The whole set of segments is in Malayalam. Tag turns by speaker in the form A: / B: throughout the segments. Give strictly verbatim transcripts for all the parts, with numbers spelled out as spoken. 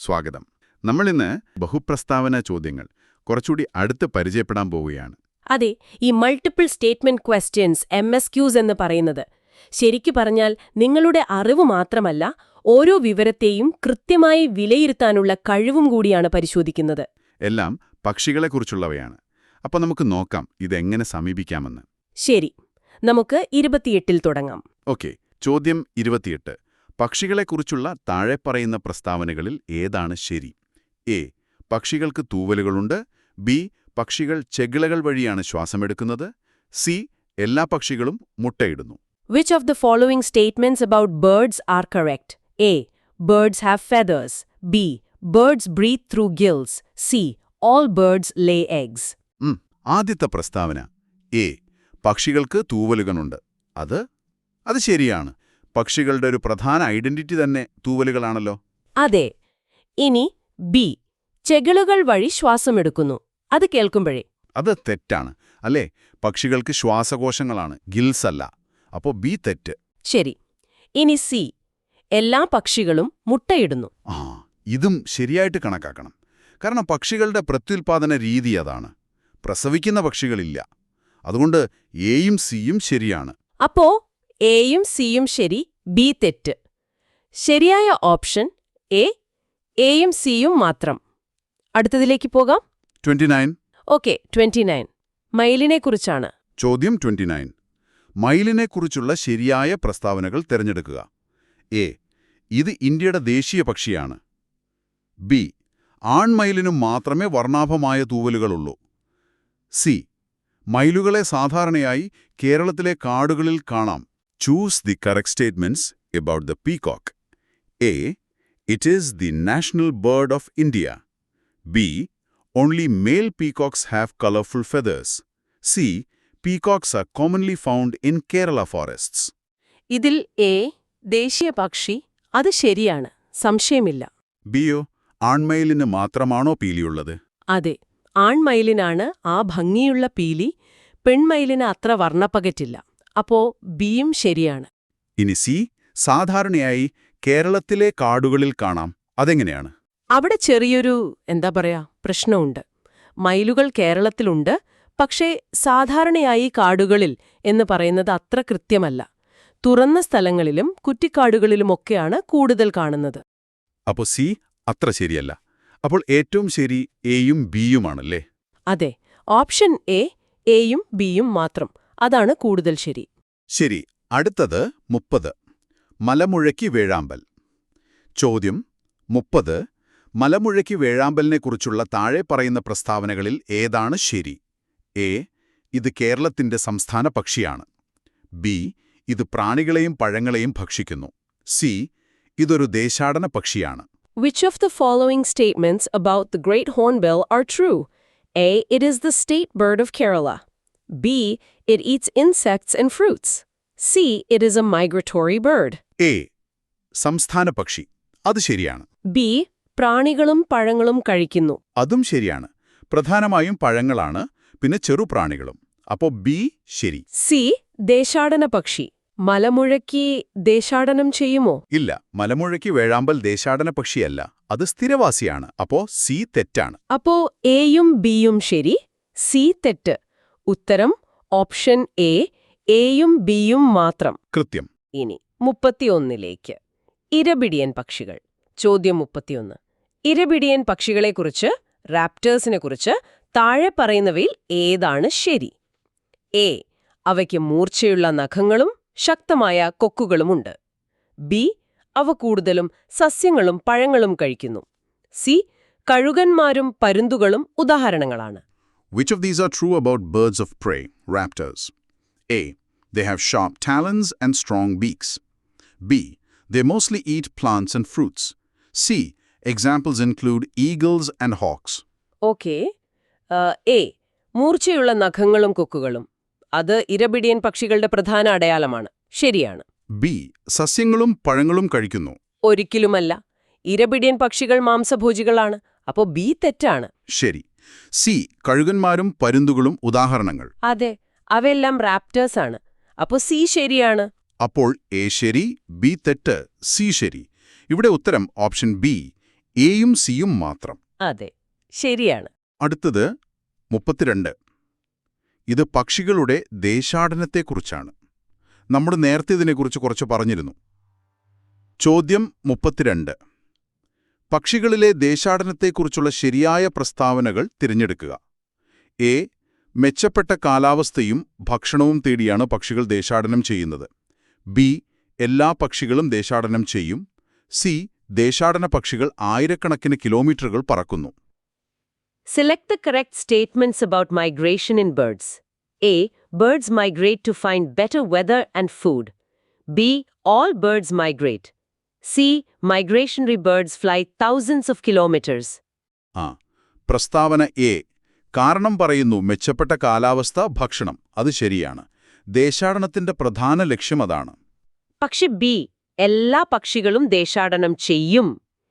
A: സ്വാഗതം. നമ്മളിന്ന് ബഹുപ്രസ്താവന ചോദ്യങ്ങൾ കുറച്ചുകൂടി അടുത്ത് പരിചയപ്പെടാൻ പോവുകയാണ്.
B: അതെ, ഈ multiple statement questions M S Qs എന്ന് പറയുന്നത് ശരിക്കു പറഞ്ഞാൽ നിങ്ങളുടെ അറിവ് മാത്രമല്ല, ഓരോ വിവരത്തെയും കൃത്യമായി വിലയിരുത്താനുള്ള കഴിവും കൂടിയാണ് പരിശോധിക്കുന്നത്.
A: എല്ലാം പക്ഷികളെക്കുറിച്ചുള്ളവയാണ്. അപ്പോൾ നമുക്ക് നോക്കാം ഇതെങ്ങനെ സമീപിക്കാമെന്ന്.
B: ശരി, നമുക്ക് ഇരുപത്തിയെട്ടിൽ തുടങ്ങാം.
A: ഓക്കെ, ചോദ്യം ഇരുപത്തിയെട്ട്. പക്ഷികളെക്കുറിച്ചുള്ള താഴെ പറയുന്ന പ്രസ്താവനകളിൽ ഏതാണ് ശരി? എ. പക്ഷികൾക്ക് തൂവലുകളുണ്ട്. ബി. പക്ഷികൾ ചെകിളകൾ വഴിയാണ് ശ്വാസമെടുക്കുന്നത്. സി. എല്ലാ പക്ഷികളും മുട്ടയിടുന്നു.
B: Which of the following statements about birds are correct? A. Birds have feathers. B. Birds breathe through gills. C. All birds lay eggs.
A: ഉം, ആദ്യത്തെ പ്രസ്താവന എ. പക്ഷികൾക്ക് തൂവലുകളുണ്ട്. അത് അത് ശരിയാണ്. പക്ഷികളുടെ ഒരു പ്രധാന ഐഡന്റിറ്റി തന്നെ തൂവലുകളാണല്ലോ.
B: അതെ. ഇനി ബി. ചെകിളുകൾ വഴി ശ്വാസമെടുക്കുന്നു. അത് കേൾക്കുമ്പോഴേ
A: അത് തെറ്റാണ്, അല്ലേ? പക്ഷികൾക്ക് ശ്വാസകോശങ്ങളാണ്, ഗിൽസ് അല്ല. അപ്പോ ബി തെറ്റ്.
B: ശരി. ഇനി സി. എല്ലാ പക്ഷികളും മുട്ടയിടുന്നു.
A: ആ, ഇതും ശരിയായിട്ട് കണക്കാക്കണം. കാരണം പക്ഷികളുടെ പ്രത്യുൽപാദന രീതി അതാണ്. പ്രസവിക്കുന്ന പക്ഷികളില്ല. അതുകൊണ്ട് എയും സിയും ശരിയാണ്.
B: അപ്പോ എയും സിയും ശരി, ബി തെറ്റ്. ശരിയായ ഓപ്ഷൻ എ, എയും സിയും മാത്രം. അടുത്തതിലേക്ക് പോകാം.
A: Twenty nine.
B: Okay, twenty nine മയിലിനെക്കുറിച്ചാണ്.
A: ചോദ്യം ട്വന്റി നയൻ. മയിലിനെക്കുറിച്ചുള്ള ശരിയായ പ്രസ്താവനകൾ തിരഞ്ഞെടുക്കുക. എ. ഇത് ഇന്ത്യയുടെ ദേശീയ പക്ഷിയാണ്. ബി. ആൺമയിലിനു മാത്രമേ വർണ്ണാഭമായ തൂവലുകളുള്ളൂ. സി. മയിലുകളെ സാധാരണയായി കേരളത്തിലെ കാടുകളിൽ കാണാം. Choose the correct statements about the peacock. A. It is the national bird of India. B. Only male peacocks have colourful feathers. C. Peacocks are commonly found in Kerala forests.
B: ഇതിൽ എ, ദേശീയ പക്ഷി, അത് ശരിയാണ്, സംശയമില്ല.
A: ബിയോ, ആൺമയിലിന് മാത്രമാണോ പീലിയുള്ളത്?
B: അതെ, ആൺമയിലിനാണ് ആ ഭംഗിയുള്ള പീലി. പെൺമയിലിന് അത്ര വർണ്ണപ്പകറ്റില്ല. അപ്പോ ബിയും ശരിയാണ്.
A: ഇനി സി. സാധാരണയായി കേരളത്തിലെ കാടുകളിൽ കാണാം. അതെങ്ങനെയാണ്?
B: അവിടെ ചെറിയൊരു എന്താ പറയാ പ്രശ്നമുണ്ട്. മയിലുകൾ കേരളത്തിലുണ്ട്, പക്ഷേ സാധാരണയായി കാടുകളിൽ എന്ന് പറയുന്നത് അത്ര കൃത്യമല്ല. തുറന്ന സ്ഥലങ്ങളിലും കുറ്റിക്കാടുകളിലുമൊക്കെയാണ് കൂടുതൽ കാണുന്നത്.
A: അപ്പോൾ സി അത്ര ശരിയല്ല. അപ്പോൾ ഏറ്റവും ശരി എയും ബിയുമാണല്ലേ?
B: അതെ, ഓപ്ഷൻ എ, എയും ബിയും മാത്രം. അതാണ് കൂടുതൽ ശരി.
A: ശരി. അടുത്തത് മുപ്പത്. മലമുഴക്കി വേഴാമ്പൽ. ചോദ്യം മുപ്പത്. മലമുഴക്കി വേഴാമ്പലിനെക്കുറിച്ചുള്ള താഴെ പറയുന്ന പ്രസ്താവനകളിൽ ഏതാണ് ശരി? എ. ഇത് കേരളത്തിന്റെ സംസ്ഥാന പക്ഷിയാണ്. ബി. ഇത് പ്രാണികളെയും പഴങ്ങളെയും ഭക്ഷിക്കുന്നു. സി. ഇതൊരു ദേശാടന പക്ഷിയാണ്.
B: Which of the following statements about the great hornbill are true? A. It is the state bird of Kerala. B. It eats insects and fruits. C. It is a migratory bird.
A: A. സംസ്ഥാന പക്ഷി. അത് ശരിയാണ്.
B: B. പ്രാണികളും പഴങ്ങളും കഴിക്കുന്നു.
A: അതും ശരിയാണ്. പ്രധാനമായും പഴങ്ങളാണ്, പിന്നെ ചെറുപ്രാണികളും. അപ്പോ ബി ശരി.
B: സി. ദേശാടന പക്ഷി. മലമുഴക്കി ദേശാടനം ചെയ്യുമോ?
A: ഇല്ല, മലമുഴക്കി വേഴാമ്പൽ ദേശാടന പക്ഷിയല്ല, അത് സ്ഥിരവാസിയാണ്. അപ്പോ സി തെറ്റാണ്.
B: അപ്പോ എയും ബിയും ശരി, സി തെറ്റ്. ഉത്തരം ഓപ്ഷൻ എ, എയും ബിയും മാത്രം.
A: കൃത്യം.
B: ഇനി മുപ്പത്തിയൊന്നിലേക്ക്. ഇരപിടിയൻ പക്ഷികൾ. ചോദ്യം മുപ്പത്തിയൊന്ന്. ഇരപിടിയൻ പക്ഷികളെക്കുറിച്ച്, റാപ്റ്റേഴ്സിനെക്കുറിച്ച് താഴെ പറയുന്നവയിൽ ഏതാണ് ശരി? എ. അവയ്ക്ക് മൂർച്ചയുള്ള നഖങ്ങളും ശക്തമായ കൊക്കുകളുമുണ്ട്. ബി. അവ കൂടുതലും സസ്യങ്ങളും പഴങ്ങളും കഴിക്കുന്നു. സി. കഴുകന്മാരും പരുന്തുകളും ഉദാഹരണങ്ങളാണ്.
A: Which of these are true about birds of prey, raptors? A. They have sharp talons and strong beaks. B. They mostly eat plants and fruits. C. Examples include eagles and hawks.
B: Okay. A. മൂർച്ചയുള്ള നഖങ്ങളും കൊക്കുകളും. അത് ഇരപിടിയൻ പക്ഷികളുടെ പ്രധാന അടയാളമാണ്. ശരിയാണ്.
A: ബി. സസ്യങ്ങളും പഴങ്ങളും കഴിക്കുന്നു.
B: ഒരിക്കലുമല്ല. ഇരപിടിയൻ പക്ഷികൾ മാംസഭോജികളാണ്. അപ്പോ ബി തെറ്റാണ്.
A: ശരി. സി. കഴുകന്മാരും പരുന്തുകളും ഉദാഹരണങ്ങൾ.
B: അതെ, അവയെല്ലാം റാപ്റ്റേഴ്സ് ആണ്. അപ്പോ സി ശരിയാണ്.
A: അപ്പോൾ എ ശരി, ബി തെറ്റ്, സി ശരി. ഇവിടെ ഉത്തരം ഓപ്ഷൻ ബി, എയും സിയും മാത്രം.
B: അതെ, ശരിയാണ്.
A: അടുത്തത് മുപ്പത്തിരണ്ട്. ഇത് പക്ഷികളുടെ ദേശാടനത്തെക്കുറിച്ചാണ്. നമ്മൾ നേരത്തെ ഇതിനെക്കുറിച്ച് കുറച്ച് പറഞ്ഞിരുന്നു. ചോദ്യം മുപ്പത്തിരണ്ട്. പക്ഷികളിലെ ദേശാടനത്തെക്കുറിച്ചുള്ള ശരിയായ പ്രസ്താവനകൾ തിരഞ്ഞെടുക്കുക. എ. മെച്ചപ്പെട്ട കാലാവസ്ഥയും ഭക്ഷണവും തേടിയാണ് പക്ഷികൾ ദേശാടനം ചെയ്യുന്നത്. ബി. എല്ലാ പക്ഷികളും ദേശാടനം ചെയ്യും. സി. ദേശാടന പക്ഷികൾ ആയിരക്കണക്കിന് കിലോമീറ്ററുകൾ പറക്കുന്നു.
B: Select the correct statements about migration in birds. A. Birds migrate to find better weather and food. B. All birds migrate. C. Migratory birds fly thousands of kilometers.
A: ആ പ്രസ്താവന എ. കാരണം പറയുന്നു മെച്ചപ്പെട്ട കാലാവസ്ഥ, ഭക്ഷണം. അത് ശരിയാണ്. ദേശാടനത്തിന്റെ പ്രധാന ലക്ഷ്യം അതാണ്.
B: പക്ഷെ ബി. എല്ലാ പക്ഷികളും ദേശാടനം ചെയ്യും.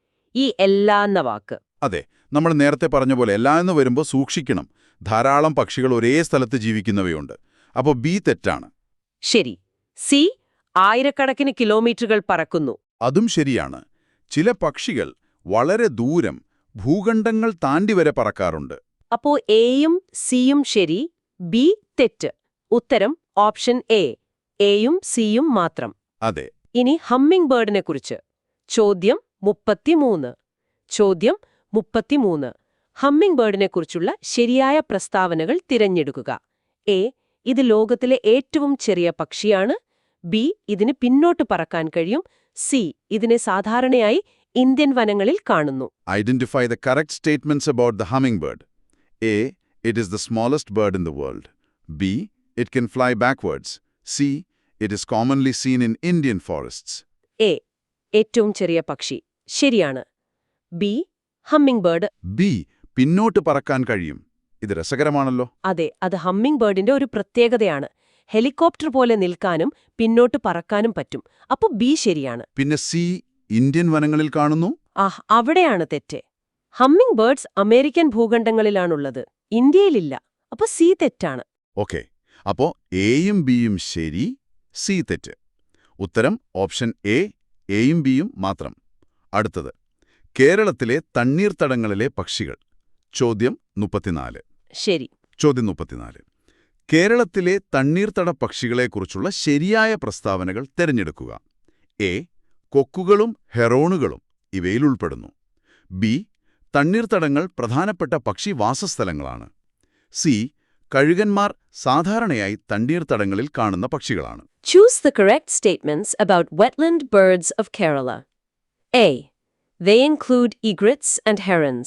B: ഈ എല്ലാ എന്ന വാക്ക്.
A: അതെ, നമ്മൾ നേരത്തെ പറഞ്ഞ പോലെ എല്ലാ എന്ന് വരുമ്പോൾ സൂക്ഷിക്കണം. ധാരാളം പക്ഷികൾ ഒരേ സ്ഥലത്ത് ജീവിക്കുന്നവയുണ്ട്. അപ്പോൾ ബി തെറ്റാണ്.
B: ശരി. സി. ആയിരക്കണക്കിന് കിലോമീറ്ററുകൾ പറക്കുന്നു.
A: അതും ശരിയാണ്. ചില പക്ഷികൾ വളരെ ദൂരം, ഭൂഖണ്ഡങ്ങൾ താണ്ടി വരെ പറക്കാറുണ്ട്.
B: അപ്പോ എയും സിയും ശരി, ബി തെറ്റ്. ഉത്തരം ഓപ്ഷൻ എ. എയും സിയും മാത്രം.
A: അതെ.
B: ഇനി ഹമ്മിംഗ് ബേർഡിനെ കുറിച്ച്. ചോദ്യം മുപ്പത്തിമൂന്ന്. ചോദ്യം മുപ്പത്തിമൂന്ന്. ഹമ്മിംഗ് ബേർഡിനെ കുറിച്ചുള്ള ശരിയായ പ്രസ്താവനകൾ തിരഞ്ഞെടുക്കുക. എ. ഇത് ലോകത്തിലെ ഏറ്റവും ചെറിയ പക്ഷിയാണ്. ബി. ഇതിന് പിന്നോട്ട് പറക്കാൻ കഴിയും. സി. ഇതിനെ സാധാരണയായി ഇന്ത്യൻ വനങ്ങളിൽ കാണുന്നു.
A: Identify the correct statements about the hummingbird. A. It is the smallest bird in the world. B. It can fly backwards. C. It is commonly seen in Indian forests.
B: A. ഏറ്റവും ചെറിയ പക്ഷി ശരിയാണ്. ബി. Hummingbird.
A: ബി. പിന്നോട്ട് പറക്കാൻ കഴിയും. ഇത് രസകരമാണല്ലോ.
B: അതെ, അത് ഹമ്മിംഗ് ബേർഡിന്റെ ഒരു പ്രത്യേകതയാണ്. ഹെലികോപ്റ്റർ പോലെ നിൽക്കാനും പിന്നോട്ട് പറക്കാനും പറ്റും. അപ്പോൾ ബി ശരിയാണ്.
A: പിന്നെ സി. ഇന്ത്യൻ വനങ്ങളിൽ കാണുന്നു.
B: ആഹ്, അവിടെയാണ് തെറ്റ്. ഹമ്മിംഗ് ബേർഡ്സ് അമേരിക്കൻ ഭൂഖണ്ഡങ്ങളിലാണുള്ളത്, ഇന്ത്യയിലില്ല. അപ്പോൾ സി തെറ്റാണ്.
A: ഓക്കെ, അപ്പോൾ എയും ബിയും ശരി, സി തെറ്റ്. ഉത്തരം ഓപ്ഷൻ എ. എയും ബിയും മാത്രം. അടുത്തത് കേരളത്തിലെ തണ്ണീർത്തടങ്ങളിലെ പക്ഷികൾ. ചോദ്യം മുപ്പത്തിനാല്.
B: ശരി.
A: ചോദ്യം മുപ്പത്തിനാല്. കേരളത്തിലെ തണ്ണീർത്തട പക്ഷികളെക്കുറിച്ചുള്ള ശരിയായ പ്രസ്താവനകൾ തിരഞ്ഞെടുക്കുക. എ. കൊക്കുകളും ഹെറോണുകളും ഇവയിൽ ഉൾപ്പെടുന്നു. ബി. തണ്ണീർത്തടങ്ങൾ പ്രധാനപ്പെട്ട പക്ഷി വാസസ്ഥലങ്ങളാണ്. സി. കഴുകന്മാർ സാധാരണയായി തണ്ണീർത്തടങ്ങളിൽ കാണുന്ന പക്ഷികളാണ്.
B: Choose the correct statements about wetland birds of Kerala. A. They include egrets and herons.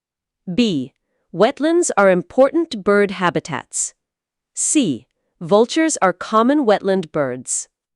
B: B. Wetlands are important bird habitats. C. Vultures are common wetland birds.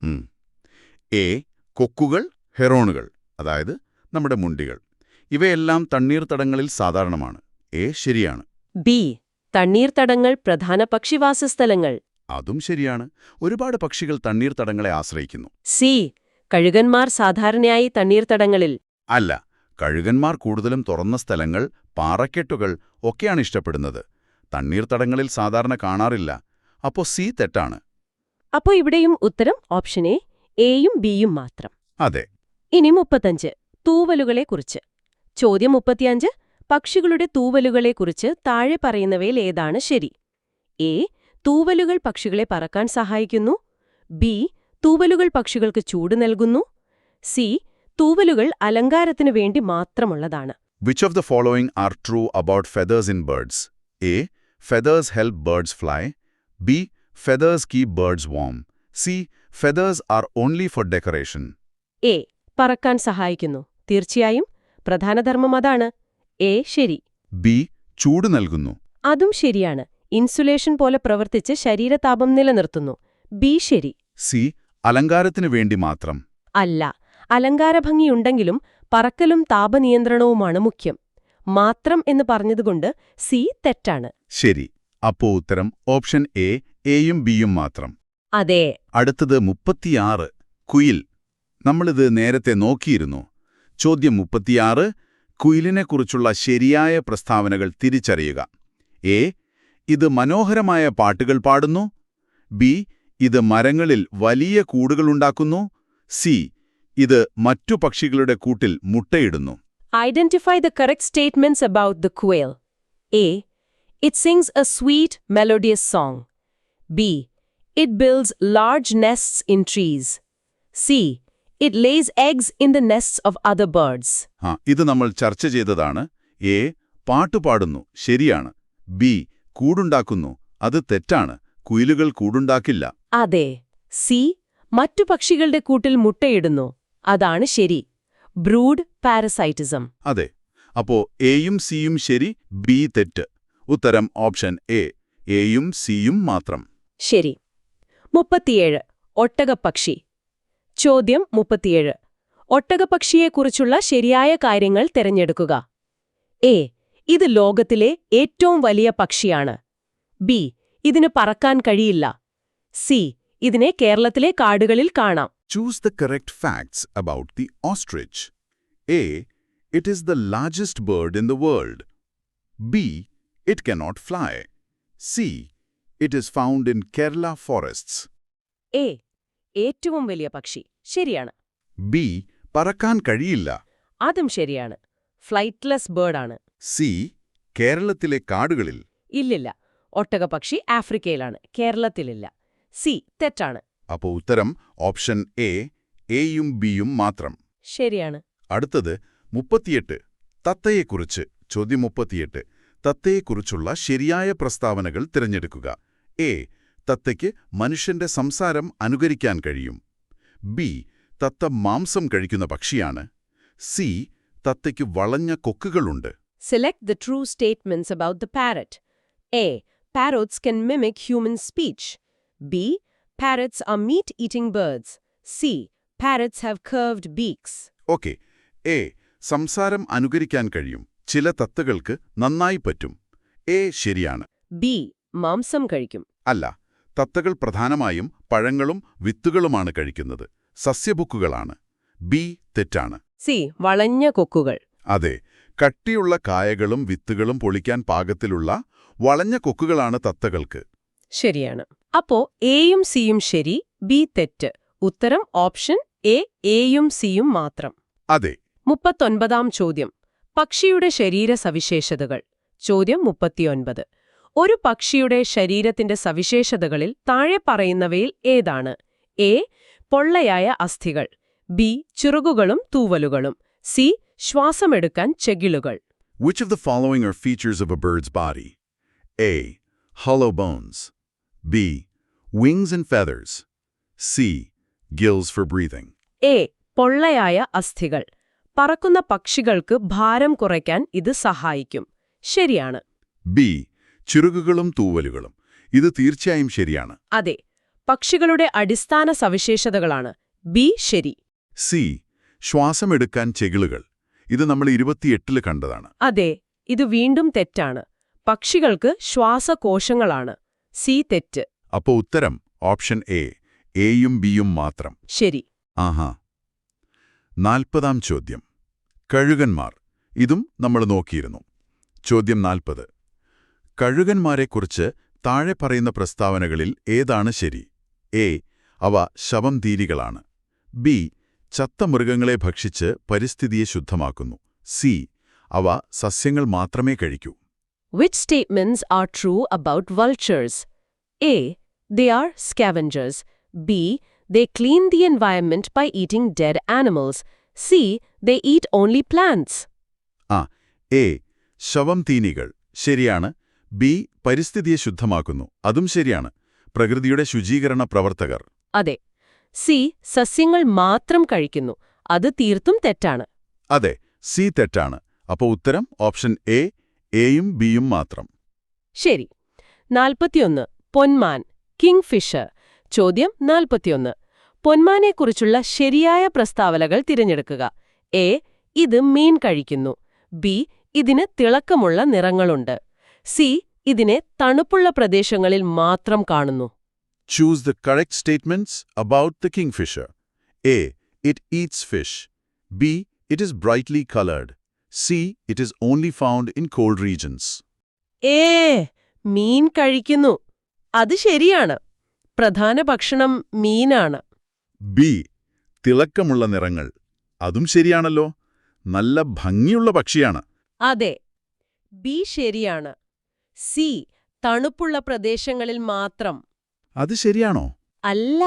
A: A. കൊക്കുകൾ, ഹെറോണുകൾ, അതായത് നമ്മുടെ മുണ്ടികൾ, ഇവയെല്ലാം തണ്ണീർത്തടങ്ങളിൽ സാധാരണമാണ്. എ ശരിയാണ്.
B: ബി. തണ്ണീർത്തടങ്ങൾ പ്രധാന പക്ഷിവാസസ്ഥലങ്ങൾ.
A: അതും ശരിയാണ്. ഒരുപാട് പക്ഷികൾ തണ്ണീർത്തടങ്ങളെ ആശ്രയിക്കുന്നു.
B: സി. കഴുകന്മാർ സാധാരണയായി തണ്ണീർത്തടങ്ങളിൽ.
A: അല്ല, കഴുകന്മാർ കൂടുതലും തുറന്ന സ്ഥലങ്ങൾ, പാറക്കെട്ടുകൾ ഒക്കെയാണ് ഇഷ്ടപ്പെടുന്നത്. തണ്ണീർത്തടങ്ങളിൽ സാധാരണ കാണാറില്ല. അപ്പോ സി തെറ്റാണ്.
B: അപ്പോൾ ഇവിടെയും ഉത്തരം ഓപ്ഷൻ എ. എയും ബിയും മാത്രം.
A: അതെ.
B: ഇനി മുപ്പത്തഞ്ച്. തൂവലുകളെക്കുറിച്ച്. ചോദ്യം മുപ്പത്തിയഞ്ച്. പക്ഷികളുടെ തൂവലുകളെക്കുറിച്ച് താഴെ പറയുന്നവയിൽ ഏതാണ് ശരി? എ. തൂവലുകൾ പക്ഷികളെ പറക്കാൻ സഹായിക്കുന്നു. ബി. തൂവലുകൾ പക്ഷികൾക്ക് ചൂട് നൽകുന്നു. സി. തൂവലുകൾ അലങ്കാരത്തിനു വേണ്ടി മാത്രമുള്ളതാണ്.
A: Which of the following are true about feathers in birds? A. Feathers help birds fly. B. Feathers keep birds warm. C. Feathers are only for decoration.
B: A. പറക്കാൻ സഹായിക്കുന്നു. തീർച്ചയായും പ്രധാനധർമ്മം അതാണ്. എ ശരി.
A: ബി. ചൂട് നൽകുന്നു.
B: അതും ശരിയാണ്. ഇൻസുലേഷൻ പോലെ പ്രവർത്തിച്ച് ശരീരതാപം നിലനിർത്തുന്നു. ബി ശരി.
A: സി. അലങ്കാരത്തിനു വേണ്ടി മാത്രം.
B: അല്ല, അലങ്കാരഭംഗിയുണ്ടെങ്കിലും പറക്കലും താപനിയന്ത്രണവുമാണ് മുഖ്യം. മാത്രം എന്ന് പറഞ്ഞതുകൊണ്ട് സി തെറ്റാണ്.
A: ശരി. അപ്പോ ഉത്തരം ഓപ്ഷൻ എ. എയും ബിയും മാത്രം.
B: അതെ.
A: അടുത്തത് മുപ്പത്തിയാറ്. കുയിൽ. നമ്മളിത് നേരത്തെ നോക്കിയിരുന്നു. ചോദ്യം മുപ്പത്തിയാറ്. കുയിലിനെക്കുറിച്ചുള്ള ശരിയായ പ്രസ്താവനകൾ തിരിച്ചറിയുക. എ. ഇത് മനോഹരമായ പാട്ടുകൾ പാടുന്നു. ബി. ഇത് മരങ്ങളിൽ വലിയ കൂടുകളുണ്ടാക്കുന്നു. സി. ഇത് മറ്റു പക്ഷികളുടെ കൂട്ടിൽ മുട്ടയിടുന്നു.
B: Identify the correct statements about the quail. A. It sings a sweet, melodious song. B. It builds large nests in trees. C. It lays eggs in the nests of other birds.
A: ആ ഇത് നമ്മൾ ചർച്ച ചെയ്തതാണ്. എ പാട്ടുപാടുന്നു, ശരിയാണ്. ബി കൂടുണ്ടാക്കുന്നു, അത് തെറ്റാണ്. കുയിലുകൾ കൂടുണ്ടാക്കില്ല.
B: അതെ. സി. മറ്റു പക്ഷികളുടെ കൂട്ടിൽ മുട്ടയിടുന്നു, അതാണ് ശരി. Brood parasitism.
A: അതെ. അപ്പോ എയും സിയും ശരി, ബി തെറ്റ്. ഉത്തരം ഓപ്ഷൻ എ, എയും സിയും മാത്രം.
B: ശരി. മുപ്പത്തിയേഴ്. ഒട്ടകപ്പക്ഷി. ചോദ്യം മുപ്പത്തിയേഴ്. ഒട്ടകപ്പക്ഷിയെക്കുറിച്ചുള്ള ശരിയായ കാര്യങ്ങൾ തിരഞ്ഞെടുക്കുക. എ. ഇത് ലോകത്തിലെ ഏറ്റവും വലിയ പക്ഷിയാണ്. ബി. ഇതിന് പറക്കാൻ കഴിയില്ല. സി. ഇതിനെ കേരളത്തിലെ കാടുകളിൽ കാണാം.
A: Choose the correct facts about the ostrich. A. It is the largest bird in the world. B. It cannot fly. C. It is found in Kerala forests.
B: A. ഏറ്റവും വലിയ പക്ഷി, ശരിയാണ്.
A: B. പറക്കാൻ കഴിയില്ല.
B: അതും ശരിയാണ്. ഫ്ലൈറ്റ്ലെസ് ബേർഡാണ്.
A: സി. കേരളത്തിലെ കാടുകളിൽ.
B: ഇല്ലില്ല. ഒട്ടകപ്പക്ഷി ആഫ്രിക്കയിലാണ്, കേരളത്തിലില്ല. സി തെറ്റാണ്.
A: അപ്പോൾ ഉത്തരം ഓപ്ഷൻ എ, എയും ബിയും മാത്രം.
B: ശരിയാണ്.
A: അടുത്തത് മുപ്പത്തിയെട്ട്. തത്തയെക്കുറിച്ച്. ചോദ്യം മുപ്പത്തിയെട്ട്. തത്തയെക്കുറിച്ചുള്ള ശരിയായ പ്രസ്താവനകൾ തിരഞ്ഞെടുക്കുക. എ. തത്തയ്ക്ക് മനുഷ്യന്റെ സംസാരം അനുകരിക്കാൻ കഴിയും. ബി. തത്ത മാംസം കഴിക്കുന്ന പക്ഷിയാണ്. സി. തത്തയ്ക്ക് വളഞ്ഞ കൊക്കുകളുണ്ട്.
B: Select the true statements about the parrot. A. Parrots can mimic human speech. B. Parrots are meat-eating birds. C. Parrots have curved beaks.
A: Okay. A. സംസാരം അനുകരിക്കാൻ കഴിയും. ചില തത്തകൾക്ക് നന്നായി പറ്റും. എ ശരിയാണ്.
B: ബി. മാംസം കഴിക്കും.
A: അല്ല. തത്തകൾ പ്രധാനമായും പഴങ്ങളും വിത്തുകളുമാണ് കഴിക്കുന്നത്. സസ്യബുക്കുകളാണ്. ബി തെറ്റാണ്.
B: സി. വളഞ്ഞ കൊക്കുകൾ.
A: അതെ. കട്ടിയുള്ള കായകളും വിത്തുകളും പൊളിക്കാൻ പാകത്തിലുള്ള വളഞ്ഞ കൊക്കുകളാണ് തത്തകൾക്ക്.
B: ശരിയാണ്. അപ്പോ എയും സിയും ശരി, ബി തെറ്റ്. ഉത്തരം ഓപ്ഷൻ എ, എയും സിയും മാത്രം.
A: അതെ.
B: മുപ്പത്തൊൻപതാം ചോദ്യം. പക്ഷിയുടെ ശരീര സവിശേഷതകൾ. ചോദ്യം മുപ്പത്തിയൊൻപത്. ഒരു പക്ഷിയുടെ ശരീരത്തിന്റെ സവിശേഷതകളിൽ താഴെ പറയുന്നവയിൽ ഏതാണ്? എ. പൊള്ളയായ അസ്ഥികൾ. ബി. ചിറകുകളും തൂവലുകളും. സി. ശ്വാസമെടുക്കാൻ ചെകിളുകൾ.
A: Which of the following are features of a bird's body? A. Hollow bones. B. Wings and feathers. C. Gills for breathing.
B: A. പൊള്ളയായ അസ്ഥികൾ. പറക്കുന്ന പക്ഷികൾക്ക് ഭാരം കുറയ്ക്കാൻ ഇത് സഹായിക്കും. ശരിയാണ്.
A: ബി. ചിറകുകളും തൂവലുകളും. ഇത് തീർച്ചയായും ശരിയാണ്.
B: അതെ. പക്ഷികളുടെ അടിസ്ഥാന സവിശേഷതകളാണ്. ബി ശരി.
A: സി. ശ്വാസമെടുക്കാൻ ചെകിളുകൾ. ഇത് നമ്മൾ ഇരുപത്തിയെട്ടില് കണ്ടതാണ്.
B: അതെ. ഇത് വീണ്ടും തെറ്റാണ്. പക്ഷികൾക്ക് ശ്വാസകോശങ്ങളാണ്. സി തെറ്റ്.
A: അപ്പോ ഉത്തരം ഓപ്ഷൻ എ, എയും ബിയും മാത്രം.
B: ശരി.
A: ആഹാ. നാൽപ്പതാം ചോദ്യം. കഴുകന്മാർ. ഇതും നമ്മൾ നോക്കിയിരുന്നു. ചോദ്യം നാൽപ്പത്. കഴുകന്മാരെക്കുറിച്ച് താഴെ പറയുന്ന പ്രസ്താവനകളിൽ ഏതാണ് ശരി? എ. അവ ശവംതീരികളാണ്. ബി. ചത്ത മൃഗങ്ങളെ ഭക്ഷിച്ച് പരിസ്ഥിതിയെ ശുദ്ധമാക്കുന്നു. സി. അവ സസ്യങ്ങൾ മാത്രമേ കഴിക്കൂ.
B: Which statements are true about vultures? A. They are scavengers. B. They clean the environment by eating dead animals. C. They eat only plants.
A: ആ. എ. ശവംതീനികൾ. ശരിയാണ്. ബി. പരിസ്ഥിതിയെ ശുദ്ധമാക്കുന്നു. അതും ശരിയാണ്. പ്രകൃതിയുടെ ശുചീകരണ പ്രവർത്തകർ.
B: അതെ. സി. സസ്യങ്ങൾ മാത്രം കഴിക്കുന്നു. അത് തീർത്തും തെറ്റാണ്.
A: അതെ. സി തെറ്റാണ്. അപ്പോൾ ഉത്തരം ഓപ്ഷൻ എ, എയും ബിയും മാത്രം.
B: ശരി. നാൽപ്പത്തിയൊന്ന്. പൊന്മാൻ. Kingfisher. ചോദ്യം നാൽപ്പത്തിയൊന്ന്. പൊന്മാനെക്കുറിച്ചുള്ള ശരിയായ പ്രസ്താവനകൾ തിരഞ്ഞെടുക്കുക. എ. ഇത് മീൻ കഴിക്കുന്നു. ബി. ഇതിന് തിളക്കമുള്ള നിറങ്ങളുണ്ട്. സി. ഇതിനെ തണുപ്പുള്ള പ്രദേശങ്ങളിൽ മാത്രം കാണുന്നു.
A: Choose the correct statements about the kingfisher. A. It eats fish. B. It is brightly colored. C. It is only found in cold regions.
B: ഏ. മീൻ കഴിക്കുന്നു. അത് ശരിയാണ്. പ്രധാന ഭക്ഷണം മീനാണ്.
A: ബി. തിളക്കമുള്ള നിറങ്ങൾ. അതും ശരിയാണല്ലോ. നല്ല ഭംഗിയുള്ള പക്ഷിയാണ്.
B: അതെ, ബി ശരിയാണ്. സി തണുപ്പുള്ള പ്രദേശങ്ങളിൽ മാത്രം.
A: അത് ശരിയാണോ?
B: അല്ല,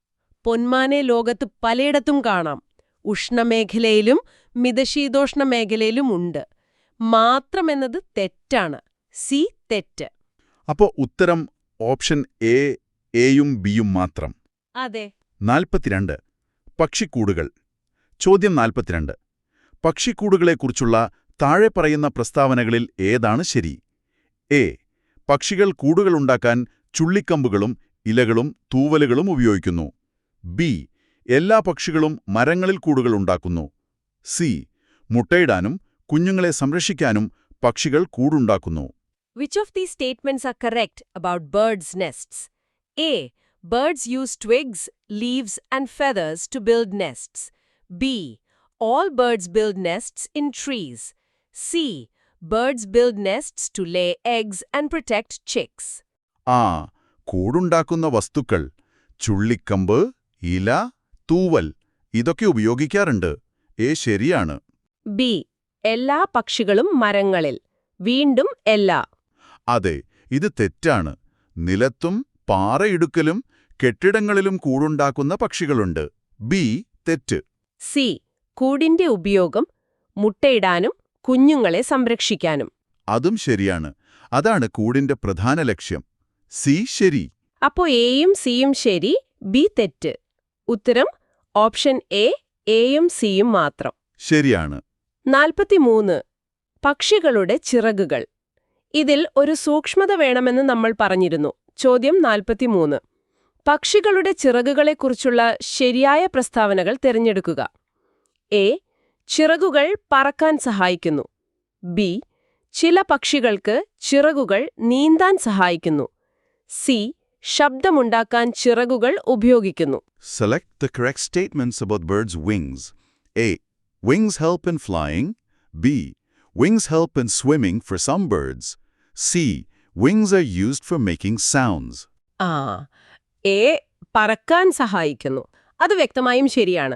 B: പൊന്മാനെ ലോകത്ത് പലയിടത്തും കാണാം. ഉഷ്ണമേഖലയിലും മിതശീതോഷ്ണ മേഖലയിലും ഉണ്ട്. മാത്രമെന്നത് തെറ്റാണ്. സി തെറ്റ്.
A: അപ്പോ ഉത്തരം ഓപ്ഷൻ എ, എയും ബിയും മാത്രം.
B: അതെ.
A: നാൽപ്പത്തിരണ്ട്. പക്ഷിക്കൂടുകൾ. ചോദ്യം നാൽപ്പത്തിരണ്ട്. പക്ഷിക്കൂടുകളെക്കുറിച്ചുള്ള താഴെ പറയുന്ന പ്രസ്താവനകളിൽ ഏതാണ് ശരി? എ. പക്ഷികൾ കൂടുകളുണ്ടാക്കാൻ ചുള്ളിക്കമ്പുകളും ഇലകളും തൂവലുകളും ഉപയോഗിക്കുന്നു. ബി. എല്ലാ പക്ഷികളും മരങ്ങളിൽ കൂടുകളുണ്ടാക്കുന്നു. സി. മുട്ടയിടാനും കുഞ്ഞുങ്ങളെ സംരക്ഷിക്കാനും പക്ഷികൾ കൂടുണ്ടാക്കുന്നു.
B: Which of these statements are correct about birds' nests? A. Birds use twigs, leaves, and feathers to build nests. B. All birds build nests in trees. C. Birds build nests to lay eggs and protect chicks.
A: ആ കൂടുണ്ടാക്കുന്ന വസ്തുക്കൾ ചുള്ളിക്കമ്പ്, ഇല, തൂവൽ ഇതൊക്കെ ഉപയോഗിക്കാറുണ്ട്. എ ശരിയാണ്.
B: ബി. എല്ലാ പക്ഷികളും മരങ്ങളിൽ. വീണ്ടും എല്ലാ.
A: അതെ, ഇത് തെറ്റാണ്. നിലത്തും പാറയിടുക്കലും കെട്ടിടങ്ങളിലും കൂടുണ്ടാക്കുന്ന പക്ഷികളുണ്ട്. ബി തെറ്റ്.
B: സി. കൂടിന്റെ ഉപയോഗം മുട്ടയിടാനും കുഞ്ഞുങ്ങളെ സംരക്ഷിക്കാനും.
A: അതും ശരിയാണ്. അതാണ് കൂടിന്റെ പ്രധാന ലക്ഷ്യം. സി ശരി.
B: അപ്പോ എയും സിയും ശരി, ബി തെറ്റ്. ഉത്തരം ഓപ്ഷൻ എ, എയും സിയും മാത്രം.
A: ശരിയാണ്.
B: നാൽപ്പത്തിമൂന്ന്. പക്ഷികളുടെ ചിറകുകൾ. ഇതിൽ ഒരു സൂക്ഷ്മത വേണമെന്ന് നമ്മൾ പറഞ്ഞിരുന്നു. ചോദ്യം നാൽപ്പത്തിമൂന്ന്. പക്ഷികളുടെ ചിറകുകളെക്കുറിച്ചുള്ള ശരിയായ പ്രസ്താവനകൾ തിരഞ്ഞെടുക്കുക. എ. ചിറകുകൾ പറക്കാൻ സഹായിക്കുന്നു. ബി. ചില പക്ഷികൾക്ക് ചിറകുകൾ നീന്താൻ സഹായിക്കുന്നു. സി. ശബ്ദമുണ്ടാക്കാൻ ചിറകുകൾ ഉപയോഗിക്കുന്നു.
A: Select the correct statements about birds' wings. A. Wings help in flying. B. Wings help in swimming for some birds. C. Wings are used for making sounds.
B: ആ എ പറക്കാൻ സഹായിക്കുന്നു. അത് വ്യക്തമായും ശരിയാണ്.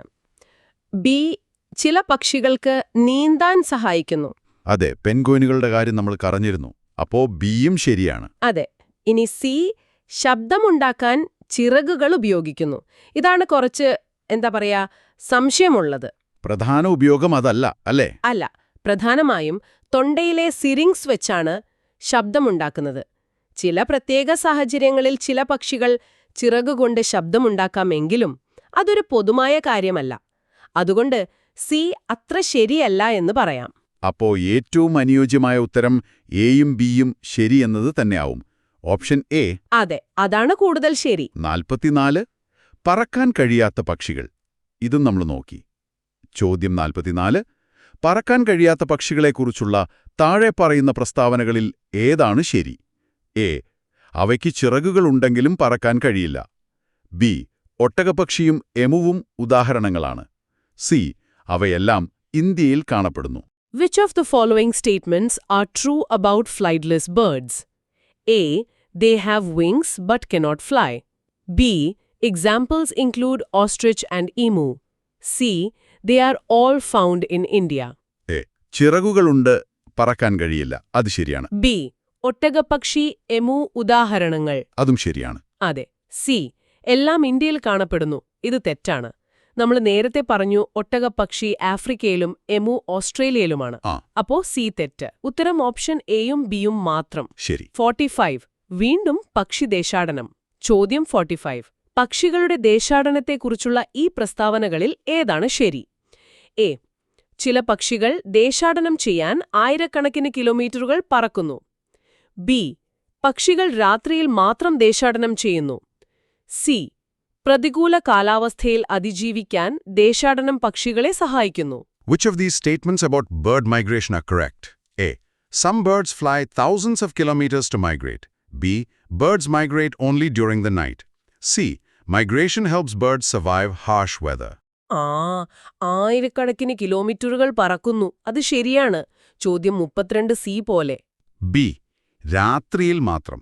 B: ബി. ചില പക്ഷികൾക്ക് നീന്താൻ സഹായിക്കുന്നു.
A: അതെ, പെൻഗ്വിനുകളുടെ കാര്യം നമ്മൾ പറഞ്ഞിരുന്നു. അപ്പോ ബിയും ശരിയാണ്.
B: അതെ. ഇനി സി. ശബ്ദമുണ്ടാക്കാൻ ചിറകുകൾ ഉപയോഗിക്കുന്നു. ഇതാണ് കുറച്ച് എന്താ പറയാ സംശയമുള്ളത്.
A: പ്രധാന ഉപയോഗം അതല്ല അല്ലേ?
B: അല്ല, പ്രധാനമായും തൊണ്ടയിലെ സിറിങ്സ് വെച്ചാണ് ശബ്ദമുണ്ടാക്കുന്നത്. ചില പ്രത്യേക സാഹചര്യങ്ങളിൽ ചില പക്ഷികൾ ചിറകുകൊണ്ട് ശബ്ദമുണ്ടാക്കാമെങ്കിലും അതൊരു പൊതുവായ കാര്യമല്ല. അതുകൊണ്ട് സി അത്ര ശരിയല്ല എന്ന് പറയാം.
A: അപ്പോ ഏറ്റവും അനുയോജ്യമായ ഉത്തരം എയും ബിയും ശരിയെന്നത് തന്നെയാവും. Option A.
B: അതെ, അതാണ് കൂടുതൽ ശരി.
A: നാൽപ്പത്തിനാല്. പറക്കാൻ കഴിയാത്ത പക്ഷികൾ. ഇതും നമ്മൾ നോക്കി. ചോദ്യം നാൽപ്പത്തിനാല്. പറക്കാൻ കഴിയാത്ത പക്ഷികളെക്കുറിച്ചുള്ള താഴെ പറയുന്ന പ്രസ്താവനകളിൽ ഏതാണ് ശരി? എ. അവയ്ക്ക് ചിറകുകളുണ്ടെങ്കിലും പറക്കാൻ കഴിയില്ല. ബി. ഒട്ടകപ്പക്ഷിയും എമുവും ഉദാഹരണങ്ങളാണ്. സി. അവയെല്ലാം ഇന്ത്യയിൽ കാണപ്പെടുന്നു.
B: Which of the following statements are true about flightless birds? A. They have wings but cannot fly. B. Examples include ostrich and emu. C. They are all found in India.
A: A. ചിറകുകളുണ്ട്, പറക്കാൻ കഴിയില്ല. അത് ശരിയാണ്.
B: ബി. ഒട്ടകപ്പക്ഷി, എമു ഉദാഹരണങ്ങൾ.
A: അതും ശരിയാണ്.
B: അതെ. സി. എല്ലാം ഇന്ത്യയിൽ കാണപ്പെടുന്നു. ഇത് തെറ്റാണ്. നമ്മൾ നേരത്തെ പറഞ്ഞു ഒട്ടകപ്പക്ഷി ആഫ്രിക്കയിലും എമു ഓസ്ട്രേലിയയിലുമാണ്.
A: ആ
B: അപ്പോ സി തെറ്റ്. ഉത്തരം ഓപ്ഷൻ എയും ബിയും മാത്രം.
A: ശരി.
B: ഫോർട്ടിഫൈവ്. വീണ്ടും പക്ഷി ദേശാടനം. ചോദ്യം ഫോർട്ടിഫൈവ്. പക്ഷികളുടെ ദേശാടനത്തെക്കുറിച്ചുള്ള ഈ പ്രസ്താവനകളിൽ ഏതാണ് ശരി? എ. ചില പക്ഷികൾ ദേശാടനം ചെയ്യാൻ ആയിരക്കണക്കിന് കിലോമീറ്ററുകൾ പറക്കുന്നു. ബി. പക്ഷികൾ രാത്രിയിൽ മാത്രം ദേശാടനം ചെയ്യുന്നു. സി. പ്രതികൂല കാലാവസ്ഥയിൽ അതിജീവിക്കാൻ ദേശാടനം പക്ഷികളെ സഹായിക്കുന്നു.
A: Which of these statements about bird migration are correct? A. Some birds fly thousands of kilometers to migrate. B. Birds migrate only during the night. C. Migration helps birds survive harsh weather.
B: ആ ആയിരക്കണക്കിന് കിലോമീറ്ററുകൾ പറക്കുന്നു. അത് ശരിയാണ്. ചോദ്യം മുപ്പത്തിരണ്ട് സി പോലെ.
A: ബി. രാത്രിയിൽ മാത്രം.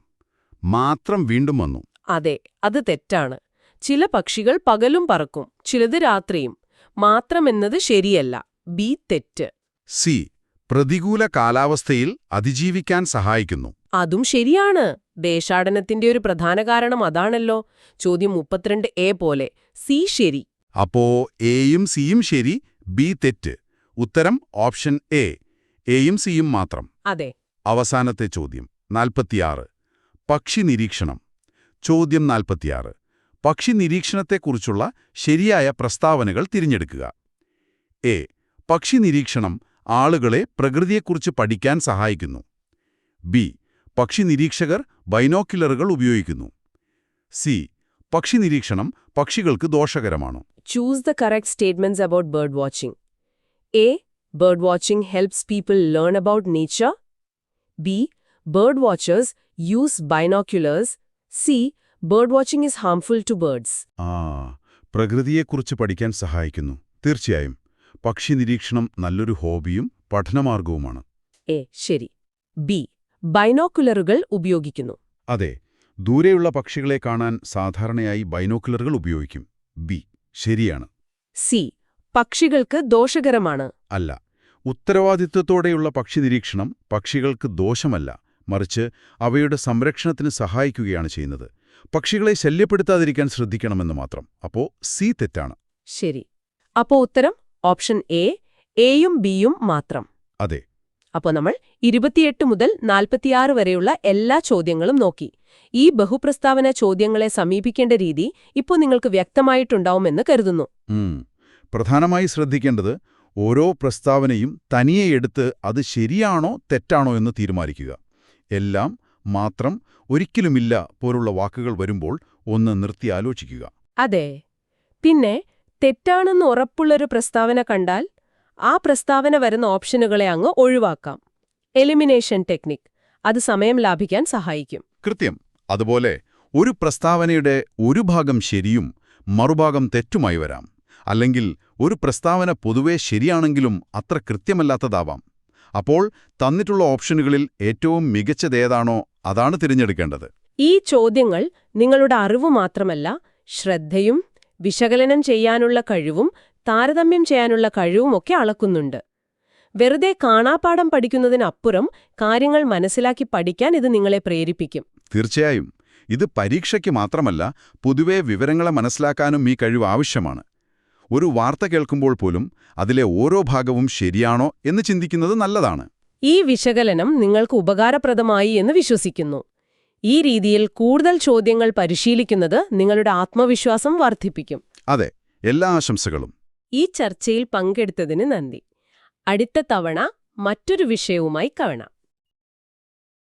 A: മാത്രം വീണ്ടും വന്നു.
B: അതെ, അത് തെറ്റാണ്. ചില പക്ഷികൾ പകലും പറക്കും, ചിലത് രാത്രിയും. മാത്രമെന്നത് ശരിയല്ല. ബി തെറ്റ്.
A: സി പ്രതികൂല കാലാവസ്ഥയിൽ അതിജീവിക്കാൻ സഹായിക്കുന്നു.
B: അതും ശരിയാണ്. ദേശാടനത്തിന്റെ ഒരു പ്രധാന കാരണം അതാണല്ലോ. ചോദ്യം മുപ്പത്തിരണ്ട് എ പോലെ. സി ശരി.
A: അപ്പോ എയും സിയും ശരി, ബി തെറ്റ്. ഉത്തരം ഓപ്ഷൻ എ, എയും സിയും മാത്രം.
B: അതെ.
A: അവസാനത്തെ ചോദ്യം നാൽപ്പത്തിയാറ്. പക്ഷി നിരീക്ഷണം. ചോദ്യം നാൽപ്പത്തിയാറ്. പക്ഷി നിരീക്ഷണത്തെക്കുറിച്ചുള്ള ശരിയായ പ്രസ്താവനകൾ തിരഞ്ഞെടുക്കുക. എ. പക്ഷി നിരീക്ഷണം ആളുകളെ പ്രകൃതിയെക്കുറിച്ച് പഠിക്കാൻ സഹായിക്കുന്നു. ബി. പക്ഷി നിരീക്ഷകർ ബൈനോക്കുലറുകൾ ഉപയോഗിക്കുന്നു. സി. പക്ഷി നിരീക്ഷണം പക്ഷികൾക്ക് ദോഷകരമാണ്.
B: Choose the correct statements about bird watching. A. Bird watching helps people learn about nature. B. Bird watchers use binoculars. C. Bird watching is harmful to birds.
A: ആ പ്രകൃതിയെക്കുറിച്ച് പഠിക്കാൻ സഹായിക്കുന്നു. തീർച്ചയായും പക്ഷി നിരീക്ഷണം നല്ലൊരു ഹോബിയും പഠനമാർഗവുമാണ്.
B: എ ശരി. ബി. ബൈനോക്കുലറുകൾ ഉപയോഗിക്കുന്നു.
A: അതെ, ദൂരെയുള്ള പക്ഷികളെ കാണാൻ സാധാരണയായി ബൈനോക്കുലറുകൾ ഉപയോഗിക്കും. ബി ശരിയാണ്.
B: സി. പക്ഷികൾക്ക് ദോഷകരമാണ്.
A: അല്ല, ഉത്തരവാദിത്വത്തോടെയുള്ള പക്ഷി നിരീക്ഷണം പക്ഷികൾക്ക് ദോഷമല്ല, മറിച്ച് അവയുടെ സംരക്ഷണത്തിന് സഹായിക്കുകയാണ് ചെയ്യുന്നത്. പക്ഷികളെ ശല്യപ്പെടുത്താതിരിക്കാൻ ശ്രദ്ധിക്കണമെന്ന് മാത്രം. അപ്പോ സി തെറ്റാണ്.
B: ശരി. അപ്പോ ഉത്തരം ഓപ്ഷൻ എ, എയും ബിയും മാത്രം.
A: അതെ.
B: അപ്പോൾ നമ്മൾ ഇരുപത്തിയെട്ട് മുതൽ നാൽപ്പത്തിയാറ് വരെയുള്ള എല്ലാ ചോദ്യങ്ങളും നോക്കി. ഈ ബഹുപ്രസ്താവന ചോദ്യങ്ങളെ സമീപിക്കേണ്ട രീതി ഇപ്പോൾ നിങ്ങൾക്ക് വ്യക്തമായിട്ടുണ്ടാവുമെന്ന് കരുതുന്നു.
A: ഉം. പ്രധാനമായി ശ്രദ്ധിക്കേണ്ടത് ഓരോ പ്രസ്താവനയും തനിയെ എടുത്ത് അത് ശരിയാണോ തെറ്റാണോ എന്ന് തീരുമാനിക്കുക. എല്ലാം, മാത്രം, ഒരിക്കലുമില്ല പോലുള്ള വാക്കുകൾ വരുമ്പോൾ ഒന്ന് നിർത്തി ആലോചിക്കുക.
B: അതെ. പിന്നെ തെറ്റാണെന്ന് ഉറപ്പുള്ളൊരു പ്രസ്താവന കണ്ടാൽ ആ പ്രസ്താവന വരുന്ന ഓപ്ഷനുകളെ അങ്ങ് ഒഴിവാക്കാം. Elimination technique. അത് സമയം ലാഭിക്കാൻ സഹായിക്കും.
A: കൃത്യം. അതുപോലെ ഒരു പ്രസ്താവനയുടെ ഒരു ഭാഗം ശരിയും മറുഭാഗം തെറ്റുമായി വരാം. അല്ലെങ്കിൽ ഒരു പ്രസ്താവന പൊതുവെ ശരിയാണെങ്കിലും അത്ര കൃത്യമല്ലാത്തതാവാം. അപ്പോൾ തന്നിട്ടുള്ള ഓപ്ഷനുകളിൽ ഏറ്റവും മികച്ചതേതാണോ അതാണ് തിരഞ്ഞെടുക്കേണ്ടത്.
B: ഈ ചോദ്യങ്ങൾ നിങ്ങളുടെ അറിവ് മാത്രമല്ല, ശ്രദ്ധയും വിശകലനം ചെയ്യാനുള്ള കഴിവും താരതമ്യം ചെയ്യാനുള്ള കഴിവുമൊക്കെ അളക്കുന്നുണ്ട്. വെറുതെ കാണാപ്പാഠം പഠിക്കുന്നതിനപ്പുറം കാര്യങ്ങൾ മനസ്സിലാക്കി പഠിക്കാൻ ഇത് നിങ്ങളെ പ്രേരിപ്പിക്കും.
A: തീർച്ചയായും. ഇത് പരീക്ഷയ്ക്ക് മാത്രമല്ല, പൊതുവെ വിവരങ്ങളെ മനസ്സിലാക്കാനും ഈ കഴിവ് ആവശ്യമാണ്. ഒരു വാർത്ത കേൾക്കുമ്പോൾ പോലും അതിലെ ഓരോ ഭാഗവും ശരിയാണോ എന്ന് ചിന്തിക്കുന്നത് നല്ലതാണ്.
B: ഈ വിശകലനം നിങ്ങൾക്ക് ഉപകാരപ്രദമായി എന്ന് വിശ്വസിക്കുന്നു. ഈ രീതിയിൽ കൂടുതൽ ചോദ്യങ്ങൾ പരിശീലിക്കുന്നത് നിങ്ങളുടെ ആത്മവിശ്വാസം വർദ്ധിപ്പിക്കും.
A: അതെ, എല്ലാ ആശംസകളും.
B: ഈ ചർച്ചയിൽ പങ്കെടുത്തതിന് നന്ദി. അടുത്ത തവണ മറ്റൊരു വിഷയവുമായി കാണാം.